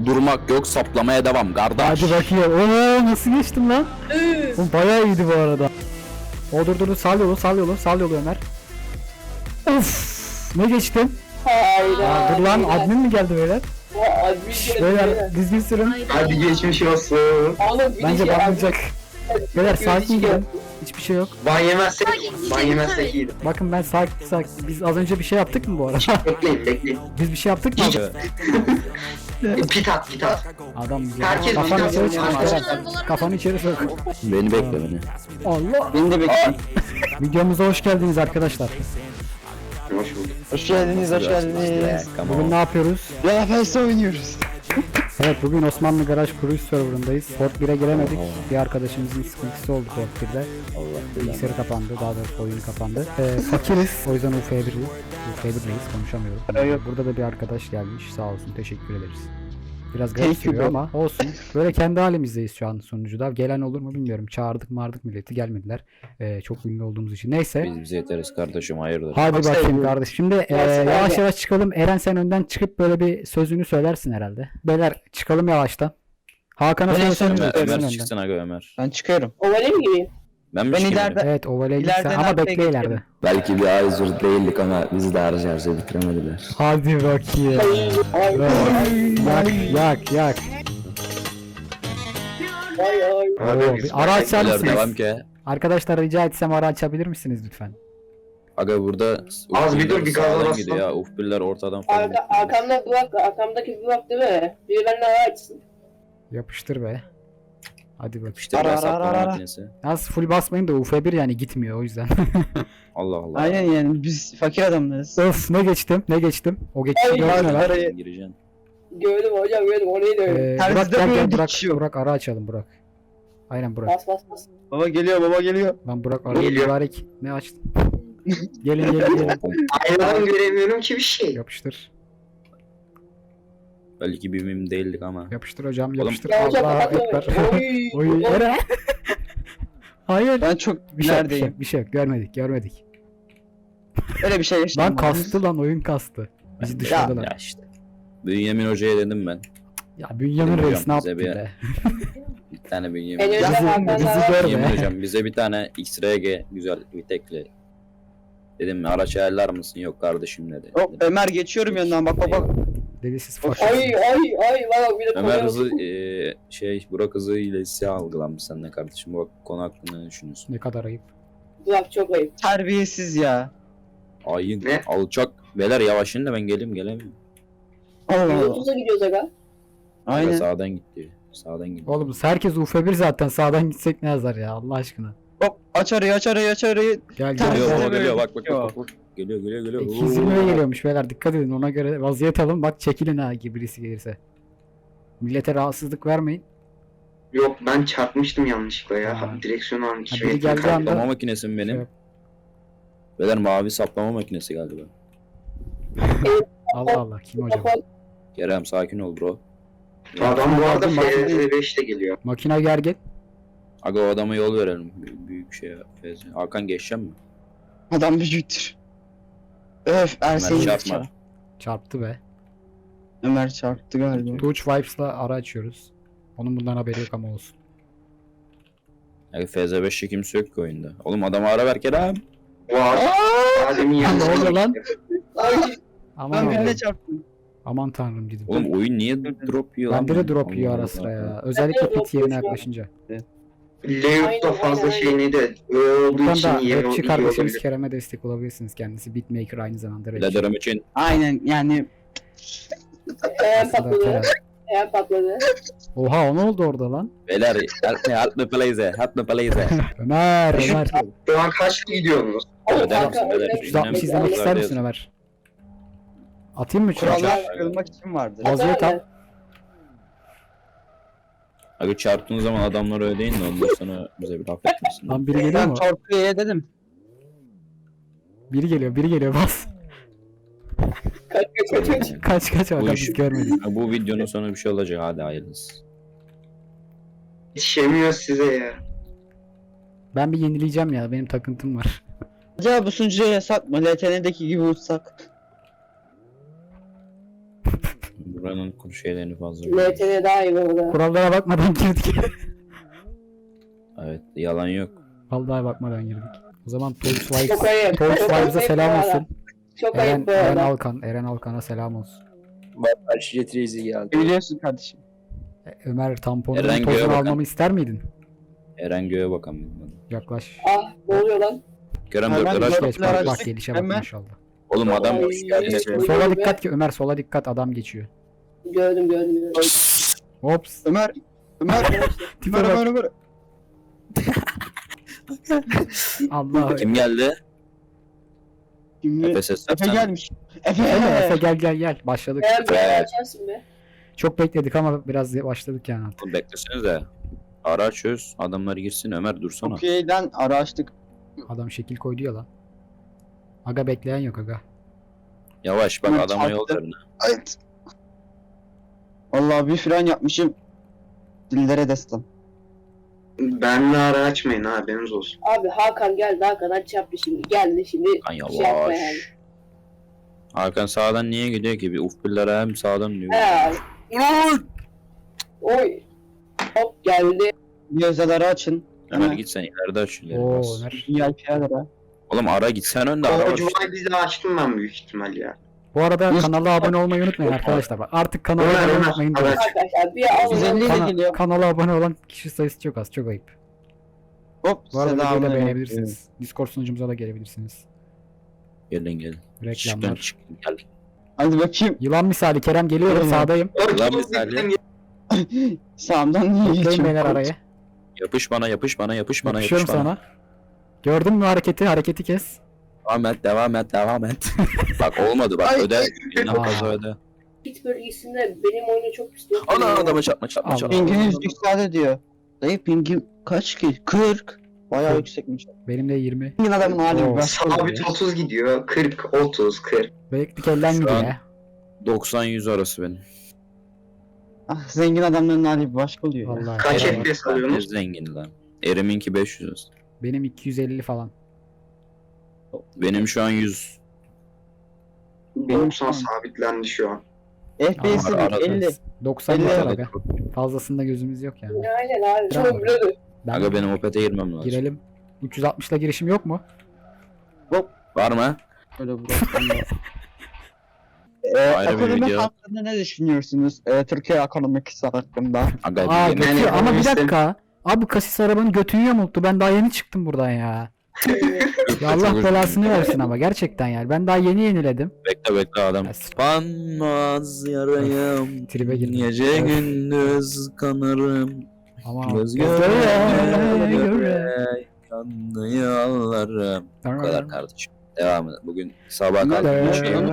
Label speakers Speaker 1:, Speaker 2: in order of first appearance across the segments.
Speaker 1: Durmak yok, saplamaya devam kardeş.
Speaker 2: Hadi bakayım. Oo nasıl geçtim lan? Oğlum bayağı iyiydi bu arada. O dur sal yolu Ömer. Of ne geçtim?
Speaker 3: Hayda.
Speaker 2: Dur lan admin mi geldi böyle? Beyler düzgün sürün.
Speaker 4: Hadi geçmiş olsun.
Speaker 3: Oğlum bir
Speaker 2: Bence
Speaker 3: şey
Speaker 2: banlayacak. Beyler sakin gidin. Hiçbir şey yok.
Speaker 4: Ban yemezsek iyiydi.
Speaker 2: Bakın ben sakin. Biz az önce bir şey yaptık mı bu arada?
Speaker 4: Bekleyin.
Speaker 2: Biz bir şey yaptık mı?
Speaker 4: Pit at.
Speaker 2: Adam ya.
Speaker 4: Herkes
Speaker 2: Kafanı
Speaker 4: videosunu
Speaker 2: içeri çıkmış
Speaker 4: açar.
Speaker 2: Eren. Kafanı içeri sok.
Speaker 1: Beni bekle beni.
Speaker 2: Allah.
Speaker 5: Beni de bekleyin.
Speaker 2: Videomuza hoş geldiniz arkadaşlar.
Speaker 4: Hoş bulduk.
Speaker 5: Hoş geldiniz, hoş geldiniz.
Speaker 2: Bugün ne yapıyoruz?
Speaker 5: RFS oynuyoruz.
Speaker 2: Evet bugün Osmanlı Garaj Cruise serverındayız. Port 1'e giremedik. Bir arkadaşımızın sıkıntısı oldu Port 1'de. Bilgisayarı kapandı, daha doğrusu oyunu kapandı. Fakiriz, o yüzden UF1'deyiz, konuşamıyorum. Burada da bir arkadaş gelmiş, sağ olsun, teşekkür ederiz. Biraz garip
Speaker 5: Thank you
Speaker 2: sürüyor
Speaker 5: bro.
Speaker 2: ama olsun. Böyle kendi halimizdeyiz şu an sunucuda. Gelen olur mu bilmiyorum. Çağırdık milleti, gelmediler. Çok ünlü olduğumuz için. Neyse.
Speaker 1: Biz bize yeteriz kardeşim, hayırdır.
Speaker 2: Hadi
Speaker 5: Çok
Speaker 2: bakayım
Speaker 5: seviyorum.
Speaker 2: kardeş. Şimdi yavaş yavaş çıkalım. Eren sen önden çıkıp böyle bir sözünü söylersin herhalde. Beyler çıkalım yavaştan. Hakan'a
Speaker 5: Ben
Speaker 2: söylesene.
Speaker 5: en son-
Speaker 1: Ömer çıksın aga Ömer.
Speaker 5: Ben çıkıyorum.
Speaker 3: Ovale mi gireyim?
Speaker 1: Ben mi
Speaker 5: Ben
Speaker 1: çıkayım?
Speaker 5: ileride-
Speaker 2: Evet ovale git sen
Speaker 5: İleriden
Speaker 2: ama
Speaker 5: arkaya
Speaker 2: bekle
Speaker 5: geçelim.
Speaker 2: ileride.
Speaker 1: Belki bir Aizur değildik ama bizi de harcarca bitiremediler.
Speaker 2: Hadi bakayım. Yak.
Speaker 3: Ay.
Speaker 2: Oo, bir ara açar
Speaker 1: Beyler devam
Speaker 2: mısınız?
Speaker 1: ki.
Speaker 2: Arkadaşlar rica etsem ara açabilir misiniz lütfen?
Speaker 1: Aga burada
Speaker 4: Az bir dur, bir gaza
Speaker 1: sağdan
Speaker 4: bas
Speaker 1: gidiyor
Speaker 4: lan.
Speaker 1: ya. Ufbiller ortadan falan.
Speaker 3: Arkamdaki blok değil mi? Biri benden ara açsın.
Speaker 2: Yapıştır be. Hadi bak.
Speaker 1: İşte
Speaker 5: Ara,
Speaker 1: ben
Speaker 5: ara,
Speaker 1: saplama
Speaker 5: ara.
Speaker 1: makinesi.
Speaker 2: Yalnız full basmayın da UF1 yani gitmiyor o yüzden.
Speaker 1: Allah Allah.
Speaker 5: Aynen yani biz fakir adamlarız.
Speaker 2: Öf ne geçtim. O geçişi
Speaker 3: Ay,
Speaker 2: gördün mü lan?
Speaker 5: Arayı-
Speaker 1: Gireceksin.
Speaker 3: Gördüm hocam gördüm orayı da öyle.
Speaker 2: Burak
Speaker 5: Terzide
Speaker 2: gel
Speaker 5: böyle
Speaker 2: Burak.
Speaker 5: dikiş yok.
Speaker 2: Burak ara açalım Burak. Aynen Burak.
Speaker 3: Bas.
Speaker 5: Baba geliyor.
Speaker 2: Ben Burak arayı
Speaker 4: Geliyor.
Speaker 2: mübarek. Ne açtın? gelin.
Speaker 4: Aynadan göremiyorum ki bir şey.
Speaker 2: Yapıştır.
Speaker 1: Belki bir mim değildik ama.
Speaker 2: Yapıştır hocam
Speaker 1: Oğlum-
Speaker 2: yapıştır.
Speaker 3: Ya hocam
Speaker 2: Allah
Speaker 3: kapatma.
Speaker 2: ekber.
Speaker 3: Oy.
Speaker 2: Oy Eren. Hayır.
Speaker 5: Ben çok
Speaker 2: Bir şey
Speaker 5: neredeyim?
Speaker 2: yok. Görmedik.
Speaker 5: Öyle bir şey
Speaker 2: Lan
Speaker 5: yaşamadım.
Speaker 2: kastı lan oyun kastı. Bizi dışladılar.
Speaker 1: Ya işte. Bünyamin Hoca'ya dedim ben.
Speaker 2: Ya Bünyamin
Speaker 1: Hocam,
Speaker 2: Reis ne
Speaker 1: bize
Speaker 2: yaptı
Speaker 1: bir-
Speaker 2: be?
Speaker 1: Bir tane Bünyamin.
Speaker 3: En önce
Speaker 2: Bizi
Speaker 3: Hakan'dan
Speaker 2: görme.
Speaker 1: Bünyamin Hocam bize bir tane X-RG güzel bir tekli. Dedim mi araç ayarlar mısın? Yok kardeşim dedi.
Speaker 5: Hop Ömer geçiyorum yanından bak.
Speaker 2: Dedi siz
Speaker 3: Ay
Speaker 2: faşist.
Speaker 3: valla bir de
Speaker 1: Ömer
Speaker 3: koyalım.
Speaker 1: hızı Burak hızı ile siyah algılanmış senden kardeşim. Bu konu hakkında ne düşünüyorsun?
Speaker 2: Ne kadar ayıp.
Speaker 3: Burak çok ayıp.
Speaker 5: Terbiyesiz ya.
Speaker 1: Ayın
Speaker 4: Ne?
Speaker 1: alçak. Beyler yavaşın da ben gelemiyorum.
Speaker 5: Allah Allah.
Speaker 3: 130'a gidiyoruz aga.
Speaker 1: Aynen.
Speaker 5: Aynen.
Speaker 1: Sağdan gitti. Sağdan gitti.
Speaker 2: Oğlum herkes UF1 zaten sağdan gitsek ne yazar ya Allah aşkına.
Speaker 5: Hop aç arayı.
Speaker 2: Gel
Speaker 5: Tamam.
Speaker 1: Geliyor
Speaker 5: Bize
Speaker 1: baba
Speaker 5: böyle
Speaker 1: geliyor bak
Speaker 5: gidiyor.
Speaker 1: bak. Geliyor.
Speaker 2: 220'ye geliyormuş beyler dikkat edin ona göre vaziyet alın bak çekilin ha gibi birisi gelirse. Millete rahatsızlık vermeyin.
Speaker 4: Yok ben çarpmıştım yanlışlıkla ya.
Speaker 2: Ha.
Speaker 4: Direksiyonu almış.
Speaker 2: Ha, biri geldiği anda-
Speaker 1: Saplama makinesi mi
Speaker 2: Şey
Speaker 1: benim?
Speaker 2: yap.
Speaker 1: Beyler mavi saplama makinesi galiba.
Speaker 2: Allah Allah kim hocam?
Speaker 1: Kerem sakin ol bro.
Speaker 4: Adam bu arada
Speaker 2: Aldım, bak.
Speaker 4: FZ5'te geliyor.
Speaker 2: Makina gergin.
Speaker 1: Aga o adama yol verelim. Büyük şey ya. Hakan geçeceğim mi?
Speaker 5: Adam büyüktür. Öf Ersin
Speaker 1: Ömer
Speaker 5: çarpma.
Speaker 1: çarpma.
Speaker 2: Çarptı be.
Speaker 5: Ömer çarptı galiba.
Speaker 2: Touch Vibes'la ara açıyoruz. Onun bundan haberi yok ama olsun.
Speaker 1: Aga FZ5'te kimse yok ki oyunda. Oğlum adama ara ver Kerem.
Speaker 4: Var. Adem'in
Speaker 2: Ne oluyor
Speaker 4: yanında.
Speaker 2: lan?
Speaker 3: Ay
Speaker 2: Aman
Speaker 5: Ben
Speaker 2: Allah'ım.
Speaker 5: birine çarptım.
Speaker 2: Aman tanrım dedim.
Speaker 1: Oğlum oyun niye drop yiyor lan?
Speaker 2: Bende de drop
Speaker 1: Allah
Speaker 2: yiyor ara
Speaker 1: Allah.
Speaker 2: sıra ya. Özellikle pit yerine yaklaşınca.
Speaker 4: Layout'ta fazla
Speaker 3: Aynen.
Speaker 4: şey neydi? Öyle olduğu
Speaker 2: Buradan
Speaker 4: için
Speaker 2: da
Speaker 4: iyi
Speaker 2: rapçi kardeşimiz
Speaker 4: olabilir.
Speaker 2: Kerem'e destek olabilirsiniz. Kendisi beatmaker aynı zamanda rapçi.
Speaker 1: Biraderim için
Speaker 5: Aynen yani
Speaker 3: Ayağım
Speaker 2: Aslında
Speaker 3: patladı.
Speaker 2: Kerem.
Speaker 3: Ayağım patladı.
Speaker 2: Oha o ne oldu orada lan?
Speaker 1: beyler help me please.
Speaker 2: Ömer.
Speaker 4: Şu an kaçta gidiyorsunuz?
Speaker 3: Oğlum
Speaker 1: Öder
Speaker 3: kanka
Speaker 1: misin, öder
Speaker 3: öyle-
Speaker 1: misin?
Speaker 2: 360 izlemek ister misin Ömer? Atayım mı çarpı?
Speaker 5: kurallar kırılmak için vardır.
Speaker 2: Vaziyet al.
Speaker 1: Aga çarptığın zaman adamlar öyle değil de ondan sonra bize bir laf etmesin.
Speaker 2: Lan biri geliyor
Speaker 5: Ben
Speaker 2: mu?
Speaker 5: torpidoya dedim.
Speaker 2: Biri geliyor bas.
Speaker 3: Kaç.
Speaker 2: Kaç
Speaker 1: Bu
Speaker 2: Hakan
Speaker 1: iş-
Speaker 2: biz görmedik.
Speaker 1: Bu videonun sonu bir şey olacak hadi hayırlısı.
Speaker 4: Yetişemiyor size ya.
Speaker 2: Ben bir yenileyeceğim ya benim takıntım var.
Speaker 5: Acaba bu sunucuya yasak mı? LTN'deki gibi uçsak.
Speaker 1: Buranın kuru şeylerini fazla.
Speaker 3: LTV daha iyi bu arada.
Speaker 2: Kurallara bakmadan girdik.
Speaker 1: Evet, yalan yok.
Speaker 2: Vallahi bakmadan girdik. O zaman Toys Vibes,
Speaker 3: Çok ayıp.
Speaker 2: Toys
Speaker 3: Çok
Speaker 2: Vibes'a
Speaker 3: ayıp
Speaker 2: selam
Speaker 3: bu arada.
Speaker 2: olsun.
Speaker 3: Çok
Speaker 2: Eren,
Speaker 3: ayıp bu
Speaker 2: Eren
Speaker 3: arada.
Speaker 2: Alkan, Eren Alkan'a selam olsun.
Speaker 1: Bak Jet Reis'i geldi.
Speaker 5: Biliyorsun kardeşim.
Speaker 2: Ömer tamponunun
Speaker 1: Eren göğe
Speaker 2: tozunu
Speaker 1: bakan.
Speaker 2: almamı ister miydin?
Speaker 1: Eren göğe bakan bilmem.
Speaker 2: Yaklaş.
Speaker 3: Ah ne oluyor lan?
Speaker 1: Kerem
Speaker 5: Hemen
Speaker 1: dörtler aç.
Speaker 5: gör-
Speaker 2: Geç bak bak
Speaker 5: açtık,
Speaker 2: gelişe bak
Speaker 5: hemen.
Speaker 2: maşallah.
Speaker 1: Oğlum adam
Speaker 3: Ay,
Speaker 1: hoş geldin.
Speaker 3: ay.
Speaker 2: Sola dikkat ki Ömer, sola dikkat, adam geçiyor.
Speaker 3: Gördüm.
Speaker 2: Hops.
Speaker 5: Ömer. Ömer.
Speaker 2: Tipe
Speaker 5: Ömer.
Speaker 2: bak.
Speaker 5: Ömer. Ömer.
Speaker 2: Allah.
Speaker 1: Kim geldi?
Speaker 5: Şimdi
Speaker 1: Efe ses
Speaker 5: Efe gelmiş.
Speaker 2: Efe, Efe gel. Başladık.
Speaker 3: Eren bir
Speaker 1: Evet.
Speaker 3: açarsın be.
Speaker 2: Çok bekledik ama biraz başladık yani artık.
Speaker 1: Oğlum beklesenize. Ara çöz. Adamlar girsin. Ömer dursana.
Speaker 5: Okey'den ara açtık.
Speaker 2: Adam şekil koydu ya lan. Aga bekleyen yok aga.
Speaker 1: Yavaş bak
Speaker 5: Ömer
Speaker 1: adama yol
Speaker 5: çarptı.
Speaker 1: verin.
Speaker 5: Evet. Vallahi bir fren yapmışım. Dillere destan.
Speaker 4: Benle ara açmayın ha, haberiniz olsun.
Speaker 3: Abi Hakan geldi. Hakan aç yaptı şimdi. Geldi şimdi.
Speaker 1: Lan
Speaker 3: Şey yapma
Speaker 1: yavaş.
Speaker 3: yani.
Speaker 1: Hakan sağdan niye gidiyor ki? Bir ufbillere hem sağdan diyor.
Speaker 3: He. Oy. Hop geldi.
Speaker 5: Bir özel ara açın.
Speaker 1: Ömer
Speaker 5: Hemen.
Speaker 1: git sen ileride aç ileri
Speaker 2: Oo
Speaker 1: bas.
Speaker 2: Ömer.
Speaker 5: VIP'ler ara.
Speaker 1: Oğlum ara git sen önde ara
Speaker 4: Orcu
Speaker 1: bas.
Speaker 4: bizi açtım ben büyük ihtimal ya.
Speaker 2: Bu arada kanala abone olmayı unutmayın arkadaşlar. Bak artık kanala
Speaker 4: Ömer,
Speaker 2: abone
Speaker 4: Ömer,
Speaker 2: unutmayın.
Speaker 4: Ömer.
Speaker 3: Arkadaşlar bir alın.
Speaker 5: 150 ile geliyor.
Speaker 2: Kanala abone olan kişi sayısı çok az, çok ayıp.
Speaker 5: Hop.
Speaker 2: Bu arada videoyu da
Speaker 5: selamünaleyküm.
Speaker 2: beğenebilirsiniz. Discord sunucumuza da gelebilirsiniz.
Speaker 1: Gelin. Çıkın
Speaker 2: Reklamlar.
Speaker 1: çıkın gel.
Speaker 5: Hadi bakayım.
Speaker 2: Yılan misali Kerem geliyorum
Speaker 5: Evet.
Speaker 2: sağdayım.
Speaker 1: Lan misali.
Speaker 5: Sağımdan niye
Speaker 2: Bekleyin
Speaker 5: geçiyorum?
Speaker 2: beyler araya.
Speaker 1: Yapış bana.
Speaker 2: Yapışıyorum sana. Gördün mü hareketi kes.
Speaker 1: Devam et. Bak olmadı bak
Speaker 5: Ay.
Speaker 1: öde. Yine
Speaker 2: Aa.
Speaker 1: fazla öde.
Speaker 3: Pit bölgesinde benim oyunu çok pis yok.
Speaker 1: Ana adama çarpma.
Speaker 2: Allah.
Speaker 5: Pinginiz yükseldi diyor. Dayı pingim kaç ki? 40. Bayağı yüksekmiş.
Speaker 2: Benim de 20.
Speaker 5: Pingin adamın hali
Speaker 2: Oo.
Speaker 5: bir başka oluyor.
Speaker 4: Sabit 30 gidiyor. 40, 30, 40.
Speaker 2: Belki elden
Speaker 1: Şu
Speaker 2: gidiyor
Speaker 1: an-
Speaker 2: ya.
Speaker 1: 90-100 arası benim.
Speaker 5: Ah, zengin adamların hali bir başka oluyor. ya.
Speaker 2: Vallahi.
Speaker 4: Kaç
Speaker 2: Kerem.
Speaker 4: FPS
Speaker 1: Ne
Speaker 4: alıyorsunuz?
Speaker 1: zengin lan. Erim'inki 500.
Speaker 2: Benim 250 falan.
Speaker 1: Benim şu an 100.
Speaker 4: Benim son sabitlendi şu an.
Speaker 5: FPS'i
Speaker 1: Arada.
Speaker 5: 50.
Speaker 2: 90
Speaker 5: 50
Speaker 2: yeter
Speaker 5: arada.
Speaker 2: aga. Fazlasında gözümüz yok yani.
Speaker 3: Aynen abi.
Speaker 2: Bravo.
Speaker 3: Çok blödü.
Speaker 2: Ben
Speaker 1: Aga benim Opet'e girmem lazım.
Speaker 2: girelim. 360 ile girişim yok mu?
Speaker 1: Var mı?
Speaker 5: Öyle bırakmam lazım.
Speaker 1: Ayrı bir
Speaker 5: Ekonomi
Speaker 1: video.
Speaker 5: hakkında ne düşünüyorsunuz? Türkiye ekonomisi hakkında.
Speaker 1: Aga
Speaker 2: Aa
Speaker 1: yemin-
Speaker 2: götü
Speaker 4: yani
Speaker 2: ama bir
Speaker 4: işte-
Speaker 2: dakika. Abi kasis arabanın götünü yamulttu. Ben daha yeni çıktım buradan ya. Ya Allah
Speaker 1: Çok
Speaker 2: belasını
Speaker 1: üzüldüm.
Speaker 2: versin ama gerçekten yani. Ben daha yeni yeniledim.
Speaker 1: Bekle adam.
Speaker 2: Ya,
Speaker 1: Kanmaz yarayım.
Speaker 2: Tribe girdim.
Speaker 1: Gece
Speaker 2: Öf.
Speaker 1: gündüz kanarım.
Speaker 2: Ama
Speaker 1: Göz
Speaker 2: göre
Speaker 1: göre kanlı yollarım. Bu kadar kardeşim. Devam edelim. Bugün sabah kalktık bir şey yok.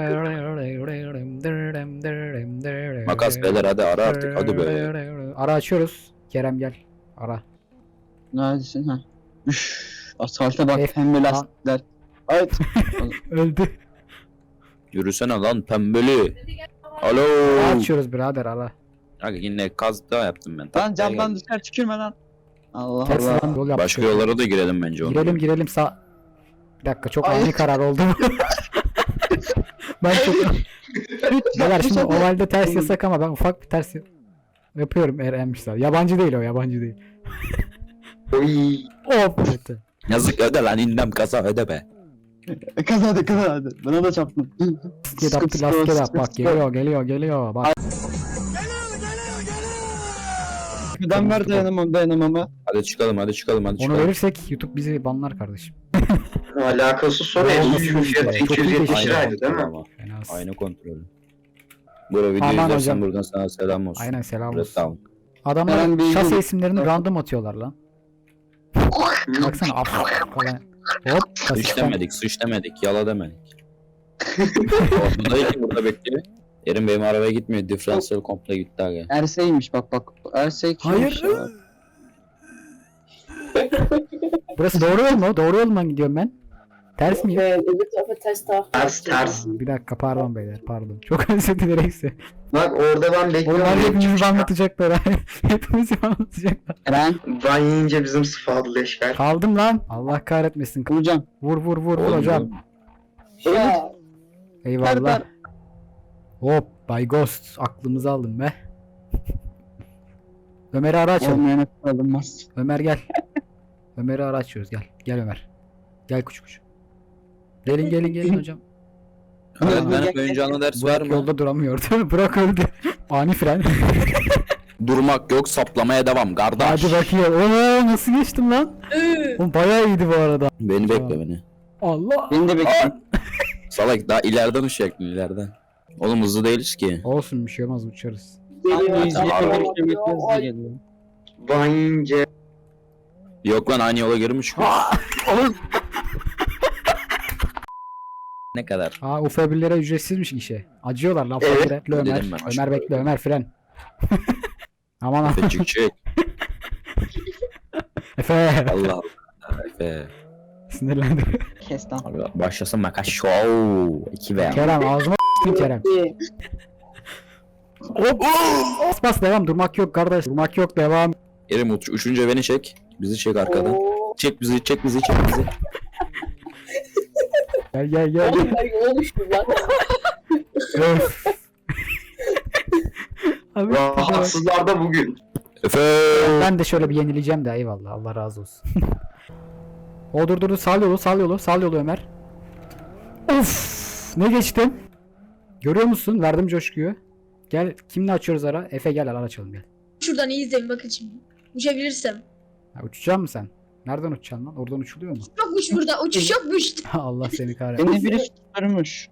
Speaker 1: Makas beyler hadi ara artık hadi be.
Speaker 2: Ara açıyoruz. Kerem gel. Ara.
Speaker 5: Neredesin ha? Üf, asfalta bak
Speaker 2: F-
Speaker 5: pembe lastikler. Evet.
Speaker 2: Öldü.
Speaker 1: Yürüsene lan pembeli. Alo.
Speaker 2: Ara açıyoruz birader ara.
Speaker 1: Aga yine kaz daha yaptım ben.
Speaker 5: Lan
Speaker 1: Taklaya
Speaker 5: camdan
Speaker 1: geldim.
Speaker 5: dışarı tükürme lan. Allah
Speaker 2: Ters
Speaker 5: Allah.
Speaker 2: lan yol yaptık.
Speaker 1: Başka yollara da girelim bence onu.
Speaker 2: Girelim sağ. Bir dakika çok
Speaker 5: Ay.
Speaker 2: ani karar oldu. Ben çok... Beyler şimdi ovalde ters yasak ama ben ufak bir ters yapıyorum Erenmişler. Yabancı değil o yabancı değil.
Speaker 4: Oy.
Speaker 2: Hop. Evet.
Speaker 1: Yazık öde lan inlem kasa öde be.
Speaker 5: Kazandı kazandı. Bana da çarptın.
Speaker 2: Get up the last get up. Bak geliyor. Bak.
Speaker 5: Şuradan ver dayanamamı.
Speaker 1: Hadi çıkalım.
Speaker 2: Onu verirsek YouTube bizi banlar kardeşim.
Speaker 4: Alakası soru.
Speaker 2: Olması
Speaker 4: Şu fiyatı
Speaker 2: lazım. Çok iyi
Speaker 4: 270
Speaker 2: geçti.
Speaker 4: liraydı değil mi?
Speaker 1: Ama.
Speaker 2: Fena.
Speaker 1: Aynı kontrolü. Burada video
Speaker 2: Aman
Speaker 1: izlersen
Speaker 2: hocam.
Speaker 1: buradan sana selam olsun.
Speaker 2: Aynen selam
Speaker 1: Red
Speaker 2: olsun.
Speaker 1: Dawn.
Speaker 2: Adamlar
Speaker 5: Eren Bey'in-
Speaker 2: şase isimlerini random atıyorlar lan. Baksana af falan. Hop
Speaker 1: Sıç
Speaker 2: kasisten.
Speaker 1: demedik, yala demedik. Orada değil ki burada bekliyor. Erin benim arabaya gitmiyor, diferansiyel komple gitti aga.
Speaker 5: Ersey'miş bak. Ersey kimmiş
Speaker 2: Hayır.
Speaker 5: ya?
Speaker 2: Burası doğru yol mu? Doğru yoldan gidiyorum ben. Ters miyim?
Speaker 3: Öbür tarafa ters taraf.
Speaker 4: Ters.
Speaker 2: Bir dakika pardon beyler pardon. Çok özür dilerim.
Speaker 4: Bak orada ben
Speaker 2: Onlar
Speaker 4: bekliyorum.
Speaker 2: hepimizi anlatacaklar. Hepimizi anlatacaklar.
Speaker 5: Eren.
Speaker 4: Ben yiyince bizim sıfatlı leşler.
Speaker 2: Kaldım lan. Allah kahretmesin.
Speaker 5: Hocam.
Speaker 2: Vur
Speaker 1: Oğlum,
Speaker 2: hocam.
Speaker 3: Ya.
Speaker 2: Eyvallah. Hop Bay Ghost aklımızı aldın be. Ömer'i ara açalım.
Speaker 5: Olmayana alınmaz.
Speaker 2: Ömer gel. Ömer'i ara açıyoruz gel. Gel Ömer. Gel kuş. Gelin hocam.
Speaker 1: Öğretmenim oyuncağına ders var
Speaker 2: Burak
Speaker 1: mı?
Speaker 2: yolda duramıyordu. Burak öldü. Ani fren.
Speaker 1: Durmak yok, saplamaya devam kardeş.
Speaker 2: Hadi bakayım. Oo nasıl geçtim lan? Oğlum bayağı iyiydi bu arada.
Speaker 1: Beni bekle beni.
Speaker 2: Allah.
Speaker 5: Beni de bekle.
Speaker 1: Salak daha ileriden uçacaktın ileriden. Oğlum hızlı değiliz ki.
Speaker 2: Olsun bir şey olmaz uçarız.
Speaker 3: Geliyor.
Speaker 5: geliyor.
Speaker 4: Vayince.
Speaker 1: Yok lan aynı yola geri mi çıkıyor? Ne kadar?
Speaker 2: Aa UF1'lere ücretsizmiş işe. Acıyorlar lan
Speaker 4: Evet.
Speaker 2: fakire. Bekle Ömer.
Speaker 1: Dedim ben, aşk
Speaker 2: Ömer bekle Ömer fren. Aman aman.
Speaker 1: Efe çık.
Speaker 2: Efe.
Speaker 1: Allah Allah. Efe.
Speaker 2: Sinirlendi.
Speaker 5: Kes lan.
Speaker 1: Abi başlasın makas show. 2 veya.
Speaker 2: Kerem ağzıma s**tin Kerem. Hop. Bas devam durmak yok kardeş. Durmak yok devam.
Speaker 1: Erim uçunca beni çek. Bizi çek arkadan.
Speaker 3: Oo.
Speaker 1: Çek bizi.
Speaker 2: Gel.
Speaker 3: Oğlum ben yola düştüm lan.
Speaker 2: Öf. Abi,
Speaker 4: Rahatsızlar da bugün.
Speaker 1: Efe.
Speaker 2: ben de şöyle bir yenileyeceğim de eyvallah Allah razı olsun. O dur sal yolu Ömer. Of ne geçtim. Görüyor musun? Verdim coşkuyu. Gel kimle açıyoruz ara? Efe gel ara açalım gel.
Speaker 6: Şuradan iyi izleyin bakın şimdi. Uçabilirsem.
Speaker 2: Ha, uçacak mısın sen? Nereden uçacaksın lan? Oradan uçuluyor mu?
Speaker 6: Yokmuş burada. Uçuş yokmuş.
Speaker 2: Allah seni kahretsin.
Speaker 5: Beni biri tutturmuş.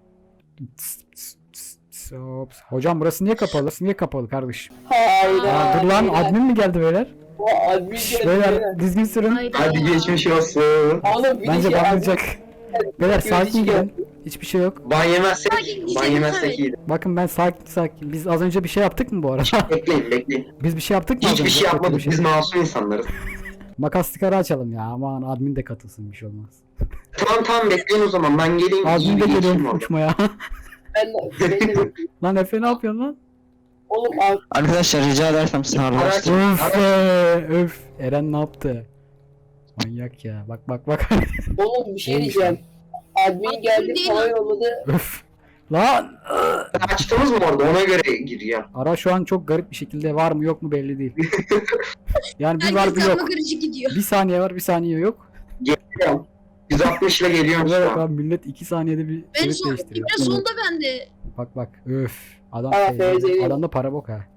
Speaker 2: Hop. Hocam burası niye kapalı? Burası niye kapalı kardeşim?
Speaker 3: Hayda.
Speaker 2: Aa, dur lan admin mi geldi beyler?
Speaker 3: Admin geldi.
Speaker 2: Beyler dizgin sürün.
Speaker 6: Hayda.
Speaker 4: Hadi geçmiş olsun.
Speaker 3: Oğlum bir
Speaker 2: Bence
Speaker 3: de şey
Speaker 2: banlayacak. Beyler
Speaker 3: Gözü
Speaker 2: sakin
Speaker 3: şey
Speaker 2: gidin. Hiçbir şey yok.
Speaker 4: Ban yemezsek,
Speaker 6: Sakin,
Speaker 4: ban
Speaker 6: güzel,
Speaker 4: yemezsek
Speaker 6: güzel.
Speaker 4: iyiydi.
Speaker 2: Bakın ben sakin. Biz az önce bir şey yaptık mı bu arada?
Speaker 4: Bekleyin.
Speaker 2: Biz bir şey yaptık mı? az
Speaker 4: Hiçbir
Speaker 2: önce?
Speaker 4: şey
Speaker 2: Kötü
Speaker 4: yapmadık.
Speaker 2: bir şey.
Speaker 4: Biz masum insanlarız.
Speaker 2: Makas ara açalım ya. Aman admin de katılsın bir şey olmaz.
Speaker 4: Tamam bekleyin o zaman. Ben geleyim. iyi
Speaker 2: Admin
Speaker 4: bir
Speaker 2: de
Speaker 4: geçeyim
Speaker 2: geliyorum
Speaker 4: orada.
Speaker 2: uçmaya.
Speaker 3: ben de
Speaker 2: Lan Efe ne yapıyorsun lan?
Speaker 3: Oğlum
Speaker 5: Arkadaşlar rica edersem sınavlaştırın.
Speaker 2: Öf öf. Eren ne yaptı? Manyak ya. Bak.
Speaker 3: oğlum bir şey
Speaker 2: Olmuş
Speaker 3: diyeceğim. Admin geldi
Speaker 6: Değil
Speaker 3: falan
Speaker 6: lan.
Speaker 3: yolladı.
Speaker 2: Öf. Lan.
Speaker 4: Açtınız mı orada? Ona göre gireceğim.
Speaker 2: Ara şu an çok garip bir şekilde var mı yok mu belli değil. Yani bir var bir
Speaker 6: Herkes
Speaker 2: yok.
Speaker 6: karma karışık gidiyor.
Speaker 2: Bir saniye var bir saniye yok.
Speaker 4: Geliyorum. 160 ile geliyorum şu
Speaker 2: Bak
Speaker 4: an.
Speaker 2: abi millet 2 saniyede bir
Speaker 6: Ben
Speaker 2: şerit
Speaker 6: son,
Speaker 2: değiştiriyor.
Speaker 6: bir de sonda bende.
Speaker 2: Bak. Öf. Adam
Speaker 3: Aa,
Speaker 2: şey,
Speaker 3: FZ.
Speaker 2: adamda para bok ha.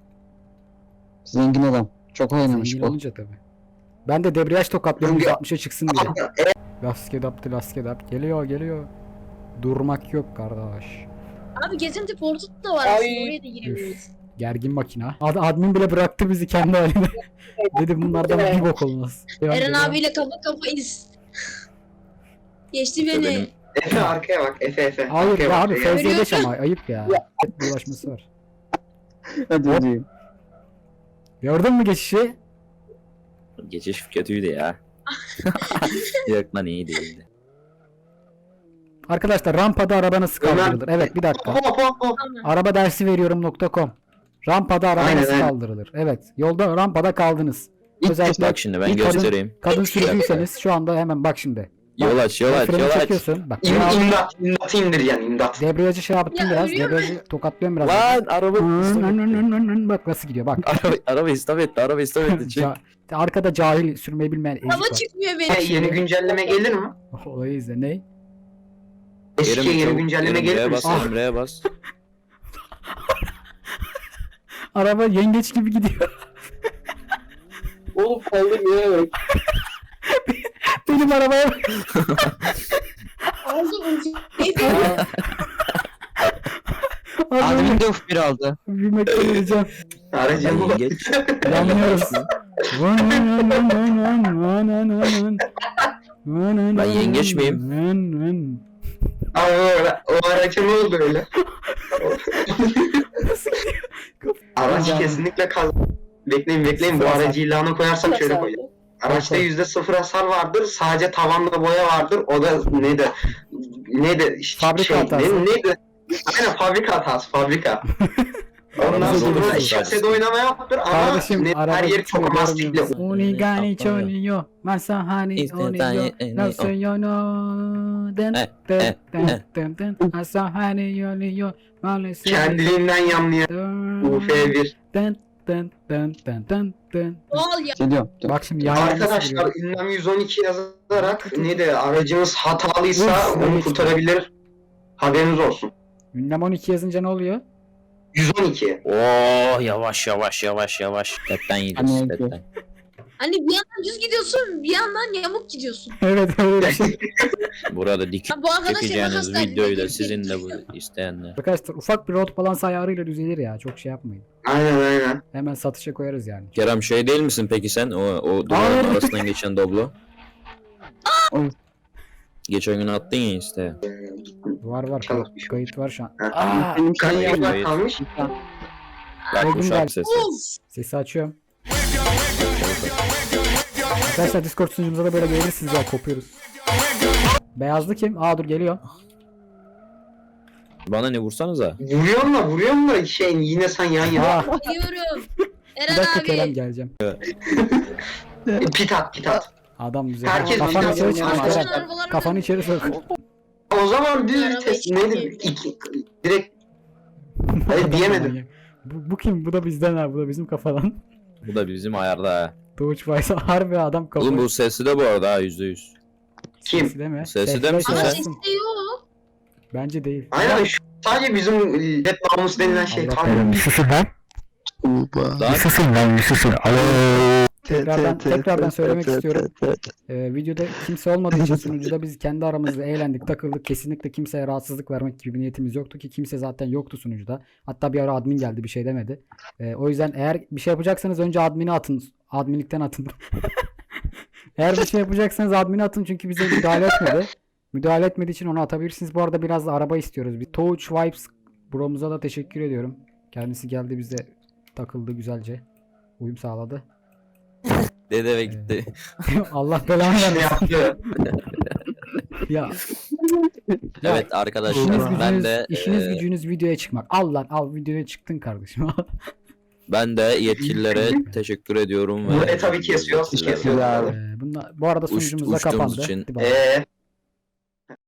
Speaker 5: Zengin adam. Çok oynamış
Speaker 2: Zengin
Speaker 5: bu.
Speaker 2: olunca tabi. Ben de debriyaj tokatlıyorum
Speaker 4: Çünkü-
Speaker 2: 160'a çıksın diye. Laskedap. Geliyor. Durmak yok kardeş.
Speaker 6: Abi gezinti portu da var
Speaker 3: Ay.
Speaker 6: aslında. Oraya da girebiliriz.
Speaker 2: Gergin makina. Admin bile bıraktı bizi kendi haline. Dedim bunlardan bir bok olmaz.
Speaker 6: Eren abiyle kafa kafayız. Geçti beni.
Speaker 1: Benim-
Speaker 4: Efe arkaya bak. Efe.
Speaker 2: Hayır
Speaker 4: Arkaya
Speaker 2: ya
Speaker 4: bak.
Speaker 2: abi
Speaker 4: Efe.
Speaker 2: Fevzi'ye geç ama ayıp ya. Bir ulaşması var.
Speaker 5: Hadi hadi.
Speaker 2: Gördün mü geçişi?
Speaker 1: Geçiş kötüydü ya. Yok lan iyi değildi.
Speaker 2: Arkadaşlar rampada araba nasıl
Speaker 4: Ömer-
Speaker 2: kaldırılır? Evet bir dakika.
Speaker 4: Hop.
Speaker 6: Tamam.
Speaker 2: Araba dersi veriyorum.com. Rampada araba
Speaker 4: Aynen,
Speaker 2: nasıl
Speaker 4: aynen.
Speaker 2: kaldırılır? Evet. Yolda rampada kaldınız. Özellikle
Speaker 1: Bak şimdi ben
Speaker 2: bir kadın-
Speaker 1: göstereyim.
Speaker 2: Kadın sürücüyseniz şu anda hemen bak şimdi.
Speaker 1: Yol aç.
Speaker 2: Freni çekiyorsun. Bak.
Speaker 4: İmdat indireceksin imdat.
Speaker 2: Debriyajı şey yaptım
Speaker 6: Ya,
Speaker 2: biraz.
Speaker 6: ölüyor mu?
Speaker 2: Debriyajı tokatlıyorum biraz.
Speaker 1: Lan araba istop etti.
Speaker 2: Bak nasıl gidiyor bak.
Speaker 1: Araba istop etti. Çek.
Speaker 2: Arkada cahil sürmeyi bilmeyen ezik
Speaker 6: Hava
Speaker 2: var.
Speaker 6: çıkmıyor
Speaker 4: Hey,
Speaker 6: benim.
Speaker 4: yeni güncelleme gelir mi?
Speaker 2: Olayı izle. Ne?
Speaker 4: Eskiye yeni güncelleme gelir
Speaker 1: Emre'ye
Speaker 4: mi?
Speaker 1: bas. Emre'ye bas.
Speaker 2: Araba yengeç gibi gidiyor.
Speaker 3: Oğlum kaldırmıyor bak.
Speaker 2: Benim arabaya bak.
Speaker 6: Ağzı ucu.
Speaker 5: Admin de uf bir aldı.
Speaker 2: Büyümekten öleceğim.
Speaker 4: Aracım bu.
Speaker 1: Yengeç.
Speaker 2: Yanlıyoruz.
Speaker 1: Ben yengeç miyim?
Speaker 4: O araca ne oldu öyle? Araç kesinlikle kaz... Bekleyin bu aracı ilana koyarsam şöyle koyacağım. Araçta %0 hasar vardır. Sadece tavanda boya vardır. O da
Speaker 2: Fabrika hatası.
Speaker 4: Neydi? Aynen fabrika hatası. Fabrika. Ondan
Speaker 2: Bize
Speaker 4: sonra
Speaker 2: gelirsin.
Speaker 4: şasede oynama yaptır ama
Speaker 2: Kardeşim
Speaker 4: net
Speaker 2: araba
Speaker 4: her yeri çok
Speaker 2: gitmiyor,
Speaker 4: mastikli.
Speaker 2: görmüyor musun? Unigani choniyo, masahani oniyo, nasoyono, den den den den den, asahani yoniyo, maalesef.
Speaker 4: Kendiliğinden yanlayan UF1.
Speaker 2: Den den den den den den.
Speaker 6: Doğal ya.
Speaker 5: Geliyorum.
Speaker 2: Bak şimdi yan yana nasıl
Speaker 4: Arkadaşlar
Speaker 2: duruyor?
Speaker 4: ünlem 112 yazarak ne de aracınız hatalıysa
Speaker 2: Uf,
Speaker 4: onu
Speaker 2: evet.
Speaker 4: kurtarabilir. Haberiniz olsun.
Speaker 2: Ünlem 12 yazınca ne oluyor?
Speaker 4: 112.
Speaker 1: Oo yavaş yavaş yavaş yavaş. Tetten yiyeceğiz
Speaker 5: Hani
Speaker 1: tetten.
Speaker 6: Hani bir yandan düz gidiyorsun, bir yandan yamuk gidiyorsun.
Speaker 2: Evet öyle bir şey.
Speaker 1: Burada dik
Speaker 6: Ha, bu arkadaş
Speaker 1: çekeceğiniz
Speaker 6: hastaydı,
Speaker 1: videoyu da
Speaker 6: dedi,
Speaker 1: sizin de
Speaker 6: dedi.
Speaker 1: bu isteyenler.
Speaker 2: Arkadaşlar ufak bir road balans ayarıyla düzelir ya. Çok şey yapmayın.
Speaker 4: Aynen.
Speaker 2: Hemen satışa koyarız yani.
Speaker 1: Kerem şey değil misin peki sen? O duvarın
Speaker 2: Hayır.
Speaker 1: arasından geçen Doblo.
Speaker 5: Oy.
Speaker 1: Geçen gün attın ya işte.
Speaker 2: Var
Speaker 4: Çalışmış.
Speaker 2: kayıt var şu an.
Speaker 4: Ha.
Speaker 2: Aa,
Speaker 5: Benim
Speaker 4: Kaç
Speaker 5: şey
Speaker 4: yıllar
Speaker 1: Hayır.
Speaker 4: kalmış?
Speaker 1: Bak bu
Speaker 2: Oldum
Speaker 1: şarkı
Speaker 2: ben.
Speaker 1: sesi.
Speaker 6: Of!
Speaker 2: sesi açıyorum. Arkadaşlar Discord sunucumuza da böyle gelirsiniz ya, kopuyoruz. Beyazlı kim? Aa dur geliyor.
Speaker 1: Bana ne vursanıza.
Speaker 4: Vuruyorum da şey yine sen yan yana.
Speaker 2: Aa,
Speaker 6: Biliyorum.
Speaker 2: bir
Speaker 6: Eren
Speaker 2: dakika Kerem
Speaker 6: abi.
Speaker 2: geleceğim.
Speaker 4: Pit at.
Speaker 2: Adam güzel.
Speaker 4: Herkes
Speaker 2: Kafanı
Speaker 4: bizden
Speaker 2: içeri
Speaker 4: oynuyor
Speaker 2: sok
Speaker 4: arkadaşlar.
Speaker 2: Kerem. Kafanı içeri sok.
Speaker 4: O zaman düz
Speaker 6: Araba
Speaker 4: test
Speaker 6: iki-
Speaker 4: neydi? Direkt Hayır diyemedim.
Speaker 2: Bu kim? Bu da bizden ha. Bu da bizim kafadan.
Speaker 1: Bu da bizim ayarda ha.
Speaker 2: Doğuç Faysal harbi adam kafa.
Speaker 1: Oğlum bu sesi de bu arada ha %100.
Speaker 4: Kim?
Speaker 2: Sesi de mi?
Speaker 1: Sesi de misin
Speaker 6: Ama
Speaker 1: sen?
Speaker 6: sesi de yok.
Speaker 2: Bence değil.
Speaker 4: Aynen şu sadece bizim Red Namus denilen şey
Speaker 2: Allah
Speaker 4: tam.
Speaker 2: belanı. Susun lan.
Speaker 1: Lan
Speaker 2: Susun lan. Susun. Tekrardan söylemek istiyorum. Videoda kimse olmadığı için sunucuda biz kendi aramızda eğlendik, takıldık. Kesinlikle kimseye rahatsızlık vermek gibi bir niyetimiz yoktu ki kimse zaten yoktu sunucuda. Hatta bir ara admin geldi bir şey demedi. O yüzden eğer bir şey yapacaksanız önce admini atın. Adminlikten atın. Eğer bir şey yapacaksanız admini atın çünkü bize müdahale etmedi. Müdahale etmediği için onu atabilirsiniz. Bu arada biraz da araba istiyoruz. Bir Touch Vibes bromuza da teşekkür ediyorum. Kendisi geldi bize takıldı güzelce. Uyum sağladı.
Speaker 1: dede ve gitti.
Speaker 2: Allah belanı
Speaker 4: Şey
Speaker 2: vermesin.
Speaker 4: yaptı.
Speaker 2: Ya
Speaker 1: Evet
Speaker 2: işiniz
Speaker 1: arkadaşlar ben
Speaker 2: gücünüz,
Speaker 1: de
Speaker 2: işiniz gücünüz videoya çıkmak. Al lan al videoya çıktın kardeşim.
Speaker 1: ben de yetkililere teşekkür ediyorum
Speaker 4: Bu tabii kesiyor.
Speaker 5: Ya.
Speaker 2: Bu arada sunucumuz da
Speaker 1: Uçtuğumuz
Speaker 2: kapandı.
Speaker 1: için-
Speaker 2: Hadi bay bay.